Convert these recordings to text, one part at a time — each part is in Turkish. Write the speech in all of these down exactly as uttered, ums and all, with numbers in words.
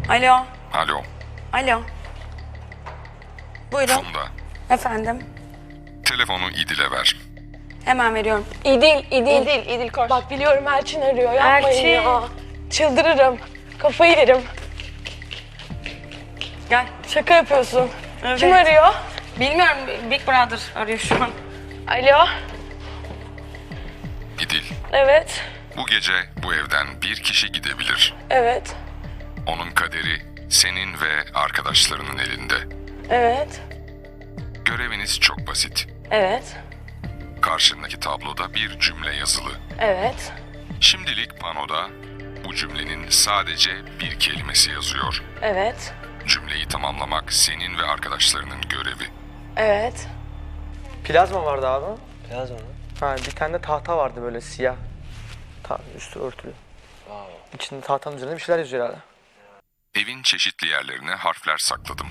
Alo. Alo. Alo. Buyurun. Funda. Efendim. Telefonu İdil'e ver. Hemen veriyorum. İdil, İdil. İdil, İdil koş. Bak biliyorum Elçin arıyor. Yapmayın Elçin. ya. Çıldırırım. Kafayı yerim. Gel. Şaka yapıyorsun. Evet. Kim arıyor? Bilmiyorum. Big Brother arıyor şu an. Alo. İdil, Evet. bu gece bu evden bir kişi gidebilir. Evet. Onun kaderi senin ve arkadaşlarının elinde. Evet. Göreviniz çok basit. Evet. Karşındaki tabloda bir cümle yazılı. Evet. Şimdilik panoda bu cümlenin sadece bir kelimesi yazıyor. Evet. Cümleyi tamamlamak senin ve arkadaşlarının görevi. Evet. Plazma vardı abi. Plazma mı? Ha, bir tane de tahta vardı böyle siyah. Ta üstü örtülü. Wow. İçinde tahtanın üzerinde bir şeyler yazıyor herhalde. Evin çeşitli yerlerine harfler sakladım.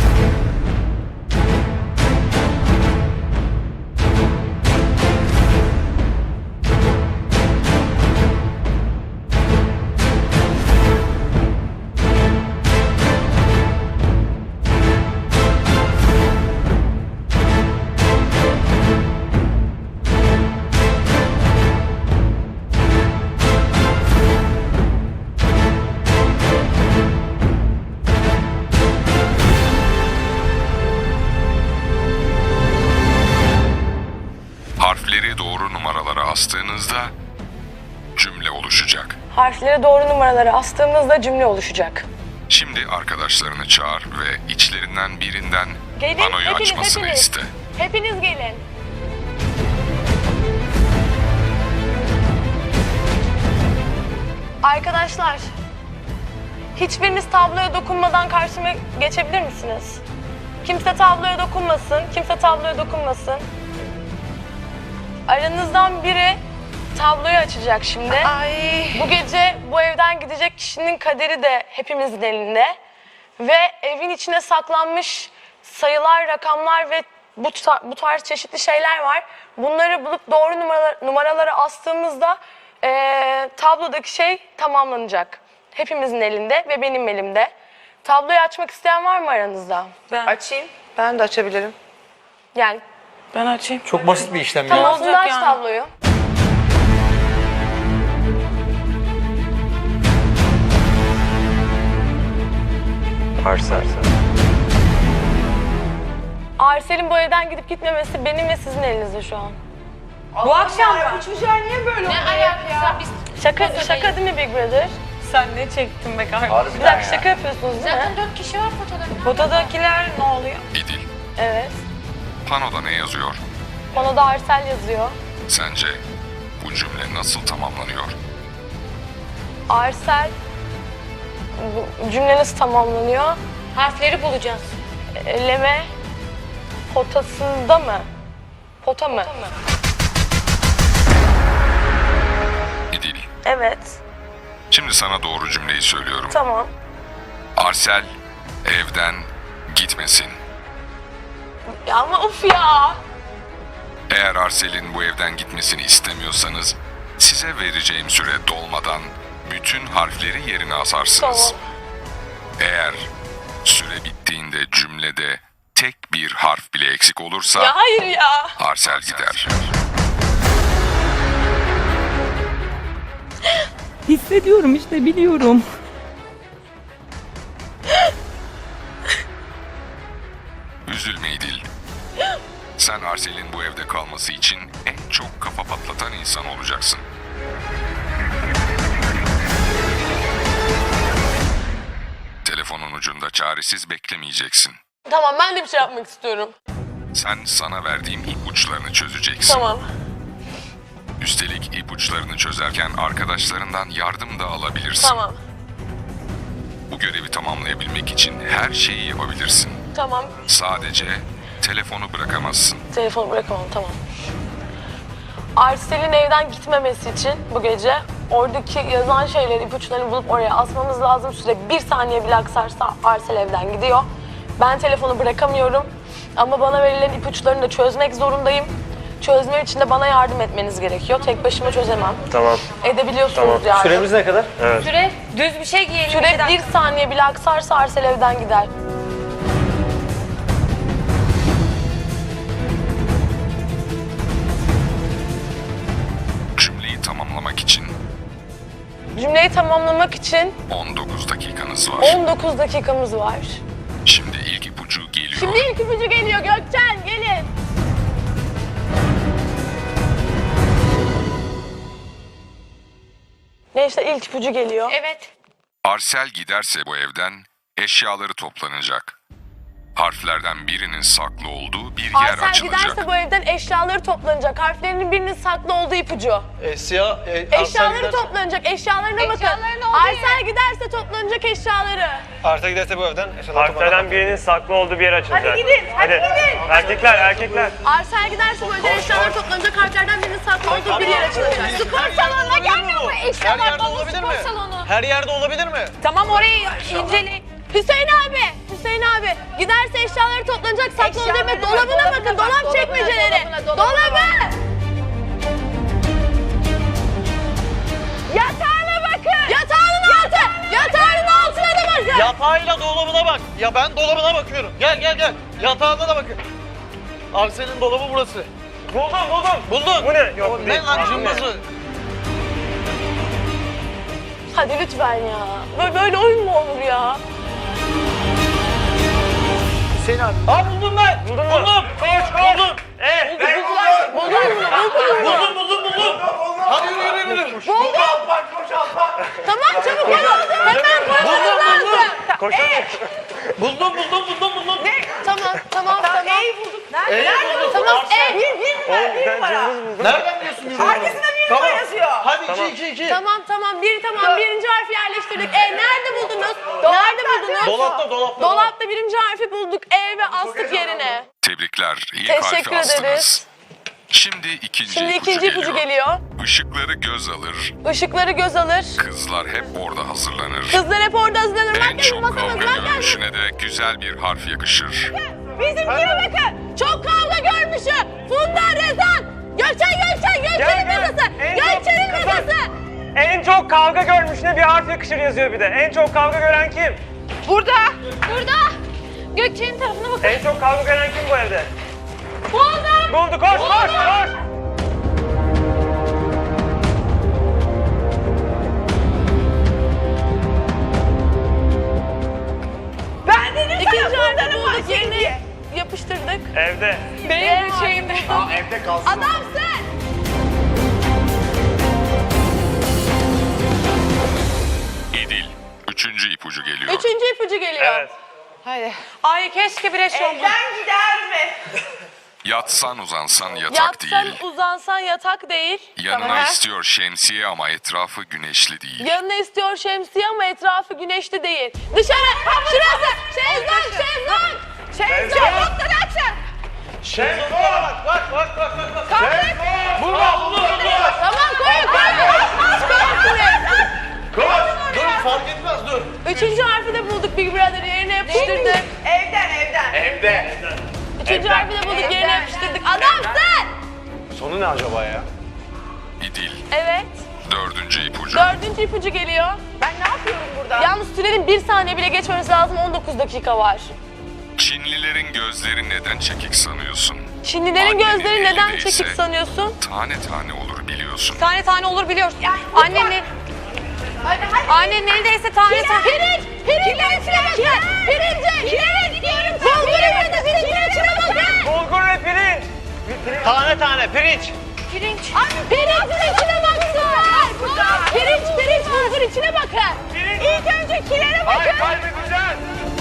Harfleri doğru numaralara astığınızda cümle oluşacak. Harfleri doğru numaralara astığımızda cümle oluşacak. Şimdi arkadaşlarını çağır ve içlerinden birinden Gelin, panoyu hepiniz, açmasını hepiniz. iste. Hepiniz gelin. Arkadaşlar, hiçbiriniz tabloya dokunmadan karşıma geçebilir misiniz? Kimse tabloya dokunmasın, kimse tabloya dokunmasın. Aranızdan biri tabloyu açacak şimdi. Ay. Bu gece bu evden gidecek kişinin kaderi de hepimizin elinde. Ve evin içine saklanmış sayılar, rakamlar ve bu, ta- bu tarz çeşitli şeyler var. Bunları bulup doğru numaralar, numaralara astığımızda eee, tablodaki şey tamamlanacak. Hepimizin elinde ve benim elimde. Tabloyu açmak isteyen var mı aranızda? Ben Açayım. Ben de açabilirim. Yani Ben açayım. Çok basit bir işlem tamam, ya. olacak Funda aç yani? tabloyu. Parsel. Arsel'in bu evden gidip gitmemesi benim ve sizin elinizde şu an. Bu akşam mı? Bu çocuğa niye böyle oluyor ya? Şaka, şaka değil mi Big Brother? Sen ne çektin be kardeşim? Bir dakika şaka yapıyorsunuz değil mi? Zaten dört kişi var fotoğrafta. Fotodakiler ne oluyor? İdil, Evet. panoda ne yazıyor? Bana da Arsel yazıyor. Sence bu cümle nasıl tamamlanıyor? Arsel, bu cümle nasıl tamamlanıyor? Harfleri bulacağız. Eleme potasında mı? Pota mı? İdil, Evet. şimdi sana doğru cümleyi söylüyorum. Tamam. Arsel evden gitmesin. Ya ama of ya. Eğer Arsel'in bu evden gitmesini istemiyorsanız size vereceğim süre dolmadan bütün harfleri yerine asarsınız. Tamam. Eğer süre bittiğinde cümlede tek bir harf bile eksik olursa Ya hayır ya. Arsel gider. Hissediyorum işte, biliyorum. Üzülme İdil. Sen Arsel'in bu evde kalması için en çok kafa patlatan insan olacaksın. Telefonun ucunda çaresiz beklemeyeceksin. Tamam, ben de bir şey yapmak istiyorum. Sen sana verdiğim ipuçlarını çözeceksin. Tamam. Üstelik ipuçlarını çözerken arkadaşlarından yardım da alabilirsin. Tamam. Bu görevi tamamlayabilmek için her şeyi yapabilirsin. Tamam. Sadece telefonu bırakamazsın. Telefonu bırakamam, tamam. Arsel'in evden gitmemesi için bu gece oradaki yazan şeyleri, ipuçlarını bulup oraya asmamız lazım. Süre bir saniye bile aksarsa Arsel evden gidiyor. Ben telefonu bırakamıyorum ama bana verilen ipuçlarını da çözmek zorundayım. Çözmem için de bana yardım etmeniz gerekiyor. Tek başıma çözemem. Tamam. Edebiliyorsunuz Tamam. yani. Süremiz ne kadar? Süre düz bir şey giyelim. iki Süre dakika. bir saniye bile aksarsa Arsel evden gider. Cümleyi tamamlamak için Cümleyi tamamlamak için on dokuz dakikanız var. on dokuz dakikamız var. Şimdi ilk ipucu geliyor. Şimdi ilk ipucu geliyor Gökçen, gelin. Neyse ilk ipucu geliyor. Evet. Arsel giderse bu evden eşyaları toplanacak. Harflerden birinin saklı olduğu bir yer Arsel açılacak. giderse bu evden eşyaları toplanacak. Harflerinin birinin saklı olduğu ipucu. E, siyah, e, Eşyaları giderse, toplanacak, eşyalarına bakın. Eşyaların olduğu Arsel giderse toplanacak eşyaları. Arsa giderse bu evden eşyalar Harflerden birinin saklı olduğu bir yer açılacak. Hadi gidin, hadi gidin. Erkekler, erkekler. Arsel giderse bu evden eşyaları toplanacak, harflerden birinin saklı olduğu bir yer açılacak. Spor salonuna gelmiyor mu? Her Eşyalar yerde dolu olabilir spor mi? salonu. Her yerde olabilir mi? Tamam orayı incele. Hüseyin abi, Hüseyin abi giderse eşyaları toplanacak, saklı olduğu yer. Dolabına bakın, dolap çekmeceleri. Dolabı. Yatağına bakın. Yatağının altı. Yatağının altına da bakın. Yatağıyla dolabına bak. Ya ben dolabına bakıyorum. Gel gel gel. Yatağına da bakın. Arsen'in dolabı burası. Buldum, buldum. Buldun. Bu ne? Yok, O bu ne değil. lan Bu cımbızı? Hadi lütfen ya. Böyle, böyle oyun mu olur ya? Hüseyin abi. Aa buldum ben. Buldun mu? Buldum. Koş, koş. Buldum. Evet. Buldun mu? Buldun mu? Buldum buldum buldum. Hadi yürü yürü yürü. Buldum. Tamam çabuk olun. Hemen koşmanız lazım. Koşalım. Buldum buldum buldum buldum. Ne? Tamam, tamam, tamam. E'yi bulduk. Nerede buldum? Tamam, ev. Bir, bir numara, Oğlum bir ben numara. cımbız buldum. Nereden biliyorsun yürü? Arkasında bir numara yazıyor. Hadi Tamam. iki iki iki. Tamam, tamam. Bir tamam. Birinci harfi yerleştirdik. E nerede buldunuz? Nerede buldunuz? Dolapta dolapta. Dolapta birinci harfi bulduk. E ve astık yerine. Tebrikler. İlk Teşekkür harfi astınız. ederiz. Şimdi ikinci Şimdi ipucu ikinci ipucu geliyor. Işıkları göz alır. Işıkları göz alır. Kızlar hep orada hazırlanır. Kızlar hep orada hazırlanır. En Makyaj çok masamız, kavga makyaj. görünüşüne de güzel bir harf yakışır. Bizimkine bakın. Çok kavga görmüşü. Funda, Rezan. Gökçen, Gökçen. Gökçen'in Gel, gel. masası. En çok Gökçen'in kızlar. masası. En çok kavga görmüşüne bir harf yakışır yazıyor bir de. En çok kavga gören kim? Burada. Burada. Gökçe'nin tarafına bakın. En çok kavga gören kim bu evde? Buldum. Buldu, koş, koş, koş. Ben dedim İkinci sana harfi bunların var bulduk. Yerine yapıştırdık. Evde. Benim şeyim buldum. Evde kalsın. Adamsın. İdil. Üçüncü ipucu geliyor. Üçüncü ipucu geliyor. Evet. Hadi. Ay keşke bir eş olsa. Evden gider mi? Yatsan uzansan yatak Yatsan değil. uzansan yatak değil. Yanına Tamam. istiyor şemsiye ama etrafı güneşli değil. Yanına istiyor şemsiye ama etrafı güneşli değil. Dışarı. Şurası. Şezlong, şezlong. Şezlong. Mutlaka açın. Şezlong bak bak bak bak bak. Kalkın. Burada buldum buldum. Tamam koyun koyun. Koş. Dur fark etmez dur. Üçüncü harfi de bulduk Big Brother yerine yapıştırdık. Evden, evden. Evde. Üçüncü harfi de bulduk yerine yapıştırdık. Adamsın. Sonu ne acaba ya? İdil. Evet. Dördüncü ipucu. Dördüncü ipucu geliyor. Ben ne yapıyorum burada? Yalnız sürenin bir saniye bile geçmemesi lazım. on dokuz dakika var. Çinlilerin gözleri neden çekik sanıyorsun? Çinlilerin Annenin gözleri neden elindeyse çekik sanıyorsun? Tane tane olur biliyorsun. Tane tane olur biliyoruz. Annenin, Hadi hadi. annenin elindeyse tane tane. Pirinç! Pirincin içine bakın! Pirinci! Pirinç! Bulgurun ve de pirincin içine bakın! Bulgur ve pirinç. Tane tane pirinç. Pirinç. Pirincin içine baksınlar! Pirinç, pirinç, bulgur içine bakın! Pirinç. İlk önce kilere Ay bakın! kalbi güzel.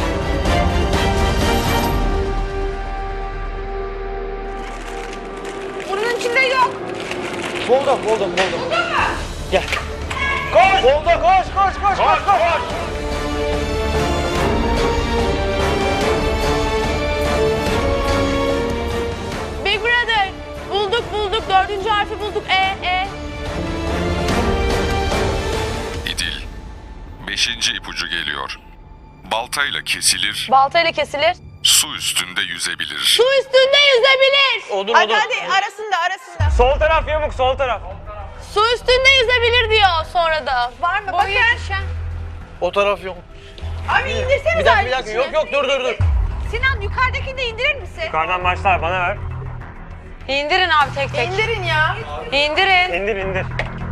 Bunun içinde yok! Buldum buldum buldum. Gel. Koş. Buldu, koş, koş, koş, koş, koş. Big Brother! Bulduk bulduk, dördüncü harfi bulduk. E, E. İdil. Beşinci ipucu geliyor. Baltayla kesilir, Baltayla kesilir. su üstünde yüzebilir. Su üstünde yüzebilir. Odun Hadi odun. hadi arasında arasında. Sol taraf yamuk, sol taraf. Su üstünde yüzebilir diyor sonra da. Var mı? Boyu Bakın. yetişen. O taraf yok. Abi indirsenize. Bir dakika bir dakika. Yok yok dur dur dur. Sinan yukarıdakini de indirir misin? Yukarıdan başlar, bana ver. İndirin abi tek tek. İndirin ya. İndirin. İndir, indir.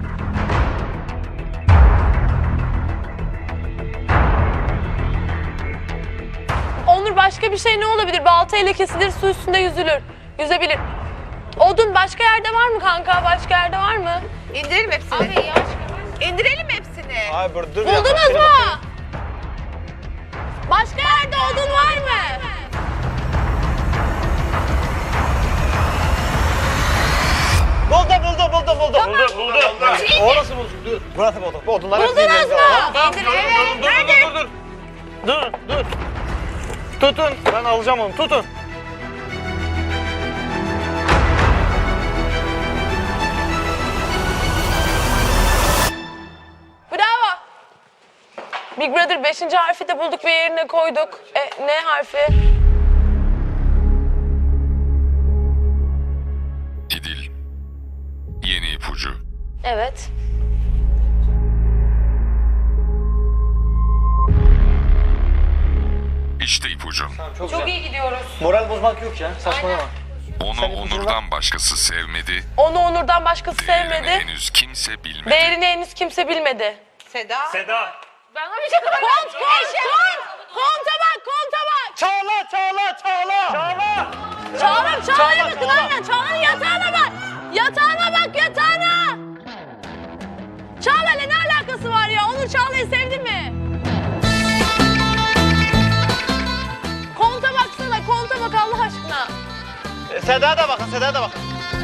Onur başka bir şey ne olabilir? Baltayla kesilir, su üstünde yüzülür. Yüzebilir. Odun başka yerde var mı kanka? Başka yerde var mı? İndirelim hepsini. Abi yavaş. İndirelim hepsini. Ay dur dur. Buldunuz mu? Başka yerde odun var mı? Buldum buldum buldum buldum. Buldum, buldum. Orası buldum. Dur. Burası buldum. Bu odunlar hepsini Buldunuz indireceğiz. mu? Tamam, tamam, dur, dur, dur, dur, dur, dur. Dur, dur. Tutun. Ben alacağım onu. Tutun. Bravo. Big Brother beşinci harfi de bulduk ve yerine koyduk. E, ne harfi? İdil. Yeni ipucu. Evet. İşte ipucu. Çok, Çok güzel. iyi gidiyoruz. Moral bozmak yok ya. Saçmalama. Onu Sen ipucunu Onur'dan başkası sevmedi. Onu Onur'dan başkası Değerini sevmedi. henüz kimse bilmedi. Değerini henüz kimse bilmedi. Seda. Seda. Bana bir şey Kont, kont, kont! Konta bak, konta bak! Çağla çağla çağla. Çağla. Çağlar, Çağlar'a Çağla, bakın Çağla. aynen. Çağlar'ın yatağına bak. Yatağına bak, yatağına. Çağlar'la ne alakası var ya? Onur Çağla'yı sevdi mi? Konta baksana, konta bak Allah aşkına. E, Seda'ya da bakın Seda'ya da bakın.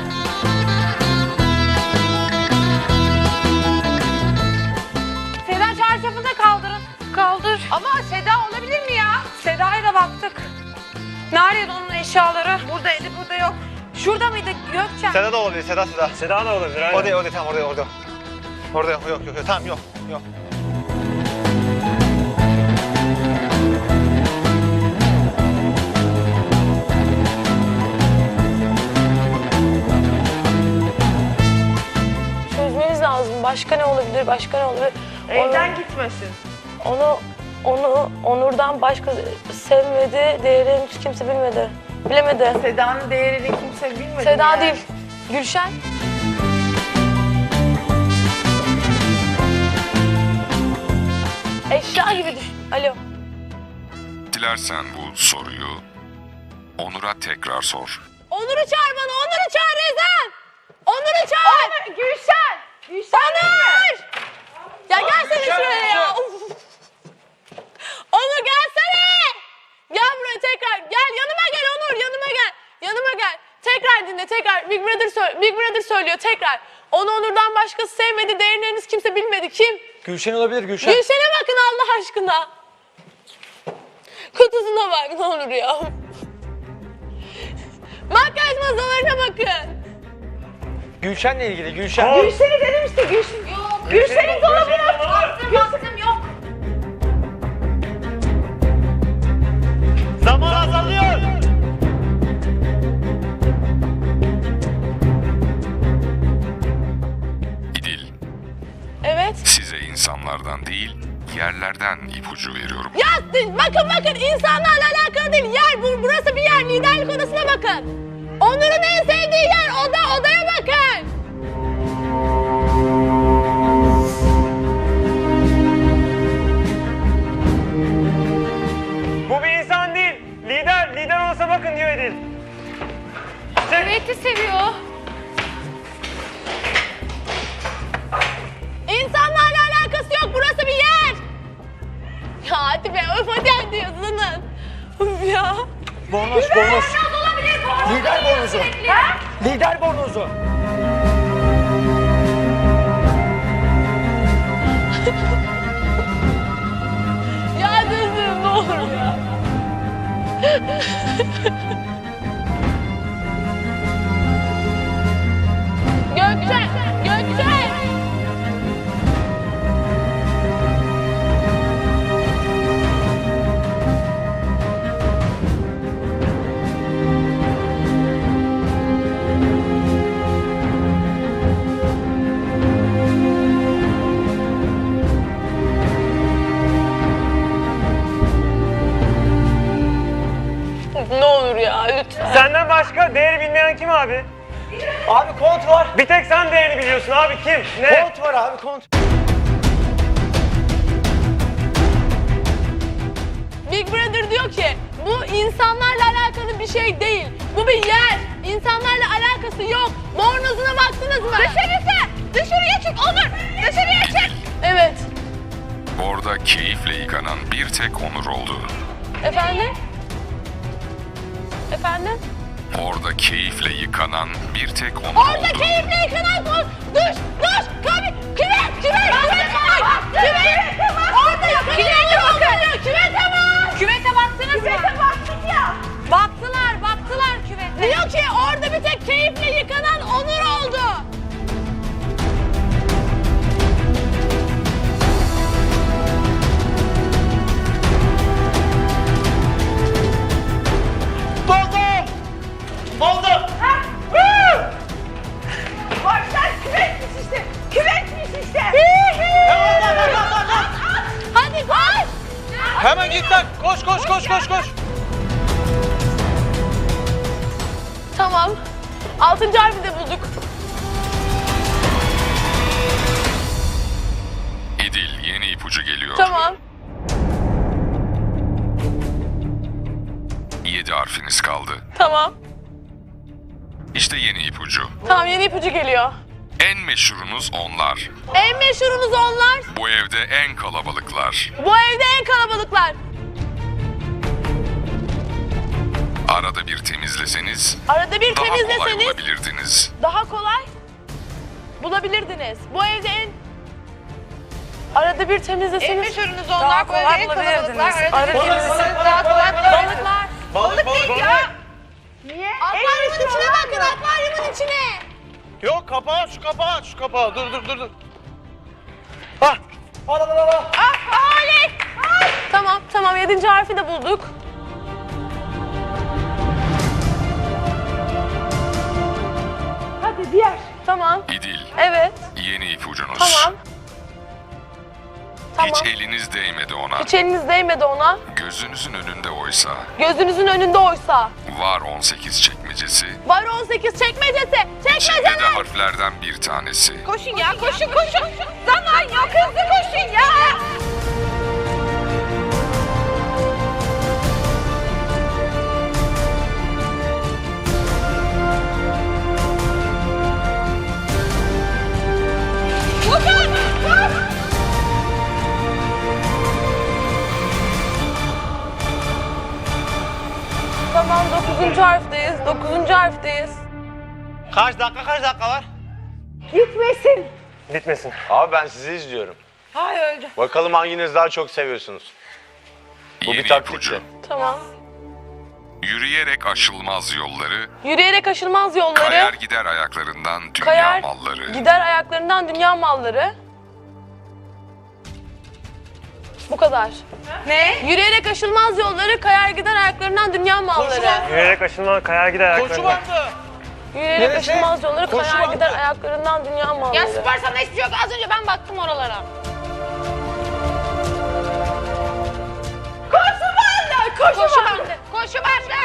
Seda çarşafını da kaldırın. Kaldır. Ama Seda olabilir mi ya? Seda'ya da baktık. Neredeydi onun eşyaları? Buradaydı burada yok. Şurada mıydı Gökçen? Seda da olabilir. Seda Seda. Seda da olabilir, aynen. O değil o değil tamam orada orada. Orada yok yok yok. yok. Tamam yok yok. Çözmeniz lazım. Başka ne olabilir? Başka ne olabilir? Evden gitmesin. Onu, onu Onur'dan başka sevmedi. Değerini hiç kimse bilmedi. Bilemedi. Seda'nın değerini kimse bilmedi. Seda yani. değil. Gülşen. Eşya gibi düşün. Alo. Dilersen bu soruyu Onur'a tekrar sor. Onur'u çağır bana. Onur'u çağır Rezan. Onur'u çağır. Onur, Gülşen. Gülşen. Onur. Ya gelsene şuraya ya. Uf. Onur gelsene. Gel buraya tekrar. Gel yanıma gel Onur. Yanıma gel. Yanıma gel. Tekrar dinle tekrar. Big Brother, sö- Big Brother söylüyor tekrar. Onu Onur'dan başkası sevmedi. Değerini henüz kimse bilmedi. Kim? Gülşen olabilir Gülşen. Gülşen'e bakın Allah aşkına. Kutusuna bak ne olur ya. Makyaj masalarına bakın. Gülşen'le ilgili Gülşen. Kol. Gülşen'i dedim işte Gülşen. Yok. Gülşen'in dolabı. Baktım baktım yok. Zaman azalıyor. İdil, Evet. size insanlardan değil, yerlerden ipucu veriyorum. Ya siz- bakın bakın insanlarla alakalı değil. Yer bu, burası bir yer. Liderlik odasına bakın. Onur'un en sevdiği yer oda. Odaya bakın. Bu bir insan değil. Lider, lider olsa bakın diyor Edil. Evet de seviyor. İnsanlarla alakası yok. Burası bir yer. Ya hadi be. Öf hadi hadi yazının. Öf ya. Bornoz bornoz. Lider bornozu. Lider bornozu. Ya düzgün ne olur ya. Gökçe, Gökçe. lütfen. Senden başka değeri bilmeyen kim abi? Abi kont var. Bir tek sen değerini biliyorsun abi, kim? Ne? Kont var abi kont. Big Brother diyor ki bu insanlarla alakalı bir şey değil. Bu bir yer. İnsanlarla alakası yok. Bornozuna baktınız mı? Dışarısı. Dışarıya çık Onur. Dışarıya çık. Evet. Orada keyifle yıkanan bir tek Onur oldu. Efendim? Efendim? Orada keyifle yıkanan bir tek Onur Orada oldu. keyifle yıkanan kol. Duş, duş, kabi, küvet, küvet, küvet var. Küvet var. Orada küvete bakın. Küvete var. Küvete baktınız mı? Küvete baktık ya. Baktılar, baktılar küvete. Diyor ki orada bir tek keyifle yıkanan Onur oldu. Buldum. Buldum. Bak sen küvetmiş işte. Küvetmiş işte. Hadi koş. Hemen git lan. Koş koş koş koş koş. Tamam. Altıncı harfi de bulduk. İdil, yeni ipucu geliyor. Tamam. Yedi harfiniz kaldı. Tamam. İşte yeni ipucu. Tamam, yeni ipucu geliyor. En meşhurunuz onlar. En meşhurumuz onlar. Bu evde en kalabalıklar. Bu evde en kalabalıklar. Arada bir temizleseniz Arada bir daha kolay temizleseniz bulabilirdiniz. daha kolay bulabilirdiniz. Bu evde en... Arada bir temizleseniz... Meşhurunuz Daha onlar, kolay böyle en bulabilirdiniz. kalabalıklar. Arada Balık, temizleseniz daha kolay bulabilirsiniz. Balıklar. Balık balık balık. Niye? Akvaryumun içine bakın, akvaryumun içine. Yok kapağı aç, şu kapağı aç, şu kapağı. Dur dur dur dur. Hah. Al al al al. Tamam, tamam. Yedinci harfi de bulduk. Hadi diğer. Tamam. İdil, Evet. yeni ipucunuz. Tamam. Tamam. Hiç eliniz değmedi ona. Hiç eliniz değmedi ona. Gözünüzün önünde oysa. Gözünüzün önünde oysa. Var on sekiz çekmecesi. Var on sekiz çekmecesi. İçinde de Çekmeceler. harflerden bir tanesi. Koşun ya, koşun koşun. Zaman yok, hızlı koşun ya. Tamam, dokuzuncu harfteyiz. Dokuzuncu harfteyiz. Kaç dakika kaç dakika var? Gitmesin. Bitmesin. Abi ben sizi izliyorum. Hay öldü. Bakalım hanginiz daha çok seviyorsunuz. Bu Yeni bir taktikti. ipucu. Tamam. Yürüyerek aşılmaz yolları, Yürüyerek aşılmaz yolları. kayar gider ayaklarından dünya Kayar malları. gider ayaklarından dünya malları. Bu kadar. Ne? Yürüyerek aşılmaz yolları, kayar gider ayaklarından dünya malları. Yürüyerek aşınma, kayar gider Koşu ayaklarına. bandı. Yürüyerek Neresi? aşılmaz yolları, Koşu kayar bandı. gider ayaklarından dünya malları. Ya spor sana hiçbir şey yok. Az önce ben baktım oralara. Koşu bandı, koşu, Koşu bandı. bandı. Koşu bandı.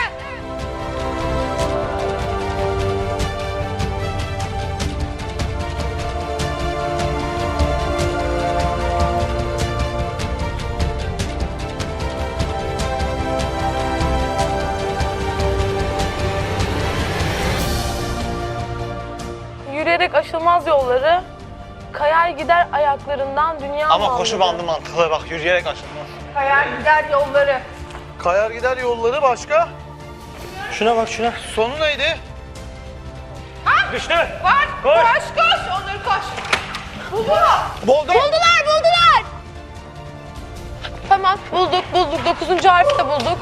Yürüyerek aşılmaz yolları, kayar gider ayaklarından dünya Ama malları. koşu bandı mantıklı bak yürüyerek aşılmaz. Kayar gider yolları. Kayar gider yolları başka. Şuna bak şuna. Sonu neydi? Düştü. Var. Koş. Koş koş. Onur koş. Buldum. Buldular, buldular. Tamam, bulduk, bulduk. Dokuzuncu harfi de bulduk.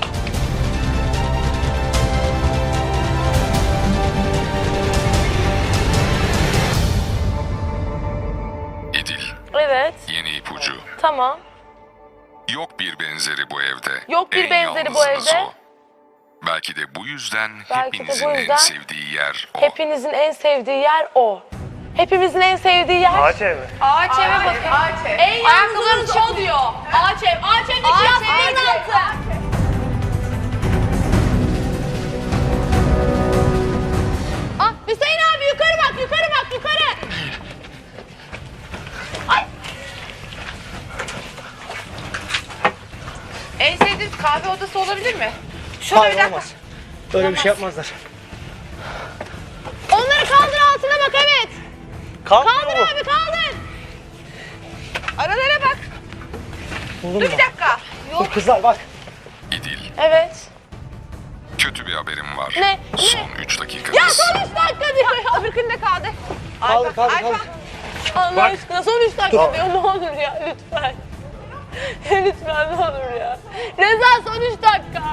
İdil, Evet, yeni ipucu. tamam. Yok bir benzeri bu evde. Yok bir En benzeri bu yalnızınız evde. o. Belki de bu yüzden Belki de hepinizin bu en yüzden sevdiği yer o. Hepinizin en sevdiği yer o. Hepimizin en sevdiği yer... Ağaç ev mi? Ağaç eve bakın. Ağaç ev. En yalnızlarınız o diyor. Ağaç ev. Ağaç evdeki Ağaç yastığın ev. altı. En sevdiğiniz kahve odası olabilir mi? Şurada bir Hayır dakika. olmaz. Öyle bir şey yapmazlar. Onları kaldır altına bak evet. Kalk Kaldır bu. abi kaldır. Aralara bak. Buldun Dur mu? bir dakika. Dur kızlar bak. İdil, Evet. kötü bir haberim var. Ne? Son üç dakikanız. Ya son üç dakika diyor ya. Öbürkünde kaldı. Kaldır kaldır Ayfa. kaldır. Allah aşkına son üç dakika diyor ne olur ya lütfen. Lütfen ne olur ya. Reza son üç dakika.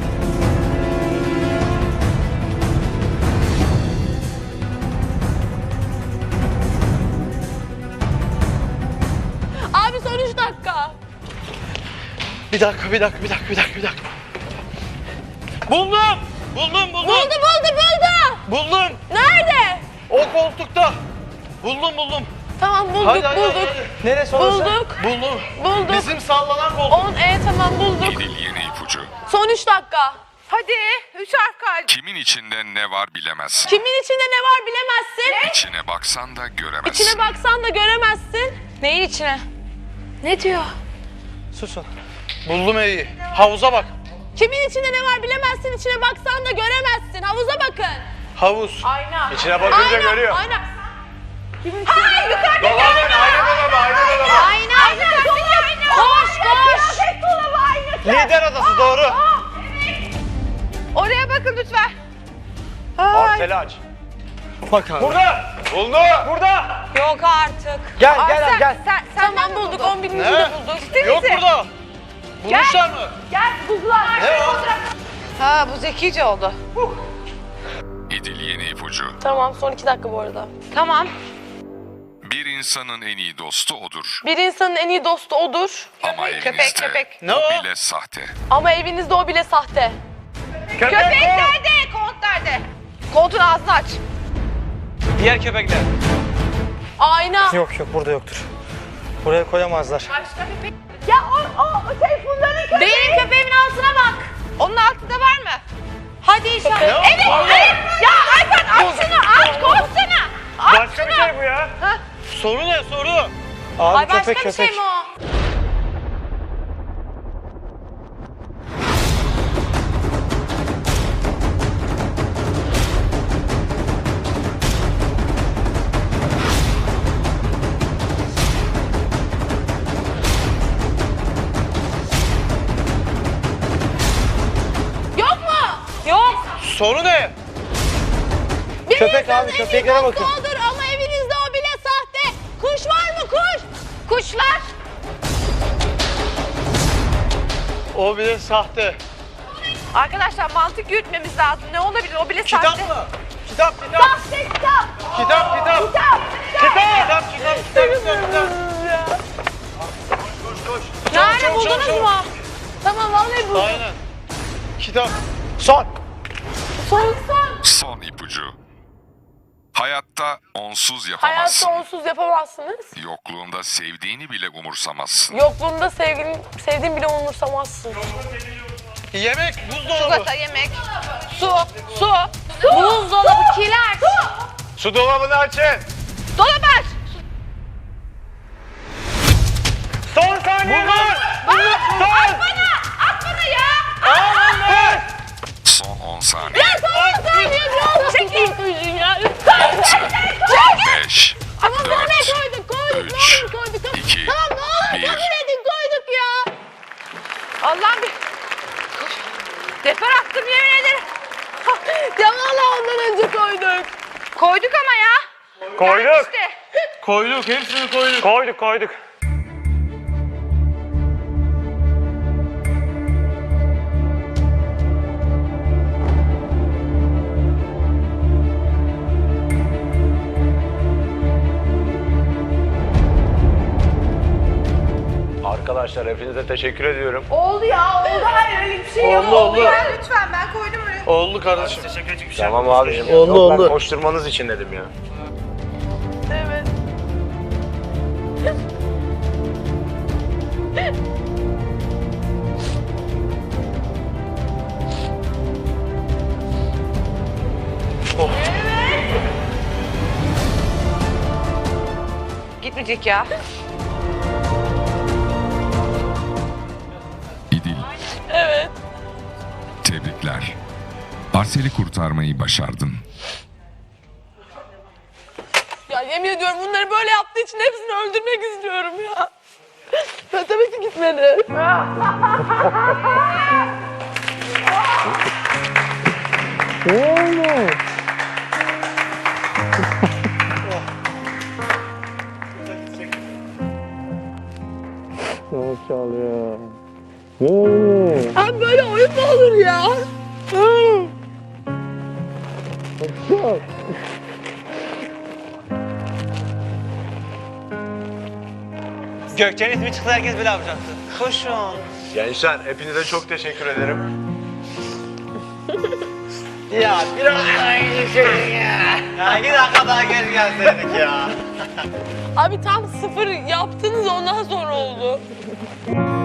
Abi son üç dakika. Bir dakika, bir dakika, bir dakika, bir dakika, bir dakika. Buldum! Buldum, buldum! Buldu buldu buldu. Buldum! Nerede? O koltukta! Buldum, buldum. Tamam bulduk Hadi, hadi, bulduk. hadi, Neresi orası? Bulduk. hadi. Buldum. Bulduk. Bizim sallanan koltuk. On e tamam bulduk. İdil yeni ipucu. Son üç dakika. Hadi. Üç harf kaldı. Kimin içinde ne var bilemezsin. Kimin içinde ne var bilemezsin. İçine baksan da göremezsin. İçine baksan da göremezsin. Neyin içine? Ne diyor? Susun. Buldum iyi. Havuza bak. Kimin içinde ne var bilemezsin. İçine baksan da göremezsin. Havuza bakın. Havuz. Ayna. İçine bakınca görüyor. Ayna. Ha yukarıda. Dolabın ayna dolabı ayna dolabı. Ayna. Ayna. Ayna. Koş koş. Kıyafet dolabı aynı. Lider odası doğru. Oraya bakın lütfen. Arseli aç. Bak abi. Burada. Buldu. Burada. Yok artık. Gel gel Sen, abi gel. sen, sen Tamam bulduk. On birinci Ne? de bulduk. Yok burada. Bulmuşlar mı? Gel buzlar. Ne o? Ha bu zekice oldu. İdil yeni ipucu. Tamam son iki dakika bu arada. Tamam. Bir insanın en iyi dostu odur. Bir insanın en iyi dostu odur. Ama evinizde köpek, köpek. Ne o o? bile sahte. Ama evinizde o bile sahte. Köpek nerede? Kont nerede? Kontun ağzını aç. Diğer köpekler. Ayna. Yok yok burada yoktur. Buraya koyamazlar. Ya o, o, o şey bunların köpeği. Benim köpeğimin altına bak. Onun altında var mı? Hadi inşallah. Ne o? Evet, evet. Ya Ayfen aç şunu, aç koşsana. Aç Başka bir şunu. şey bu ya. Soru ne soru? Abi Ay başka köpek bir şey köpek. mi o? Yok mu? Yok. Soru ne? Bir Köpek insanın abi, en iyi köpeklere dostu bakın. odur ama evinizde o bile sahte. Kuş var mı kuş? Kuşlar. O bile sahte. Arkadaşlar mantık yürütmemiz lazım. Ne olabilir? O bile Kitap sahte. mı? Kitap, kitap. Sahte kitap. Kitap, kitap. Kitap. Kitap, kitap, kitap, kitap, kitap, kitap. Koş, koş. Nerede Çabuk, çabuk, buldunuz çabuk. mu? Tamam vallahi buldum. Aynen. Kitap. Son. Son son. Son ipucu. Hayatta onsuz yapamazsın. Hayatta onsuz yapamazsınız. Yokluğunda sevdiğini bile umursamazsın. Yokluğunda sevgilin, sevdiğin bile umursamazsın. Yemek, buzdolabı. Çikolata, yemek. Su. Su. Buzdolabı kiler. Su dolabını açın. Dolap aç. Son saniye var. Bak. At bana. At bana ya. Son on saniye. Çekil. Ya. beş, Ama dört, nereye koyduk koyduk üç, ne olur koyduk. iki, Tamam ne olur bir. kabul edin koyduk ya. Allah'ım bir... Koş. Defer attım yemin ederim. Ya valla ondan önce koyduk. Koyduk ama ya. Koyduk. İşte. Koyduk, hepsini koyduk. Koyduk koyduk. Arkadaşlar hepinize teşekkür ediyorum. Oldu ya oldu. Hayır öyle bir şey yok. Oldu, oldu. Ya, lütfen ben koydum oraya. Oldu kardeşim. Teşekkür ederim. Bir şey Tamam yapmadım. abicim. Oldu, Yok, ben oldu. koşturmanız için dedim ya. Evet. Gitmeyecek ya. İdil Tebrikler. Arsel'i kurtarmayı başardın. Ya yemin ediyorum bunları böyle yaptığı için hepsini öldürmek istiyorum ya. Ben tabii ki gitmedi. Abi böyle oyun mu olur ya? Gökçe'nin ismi çıksa herkes böyle yapacaktı. Koşun. Gençler hepinize çok teşekkür ederim. Ya biraz daha geçelim ya. Ya iki dakika daha geri gelseydik ya. Abi tam sıfır yaptınız ondan sonra oldu.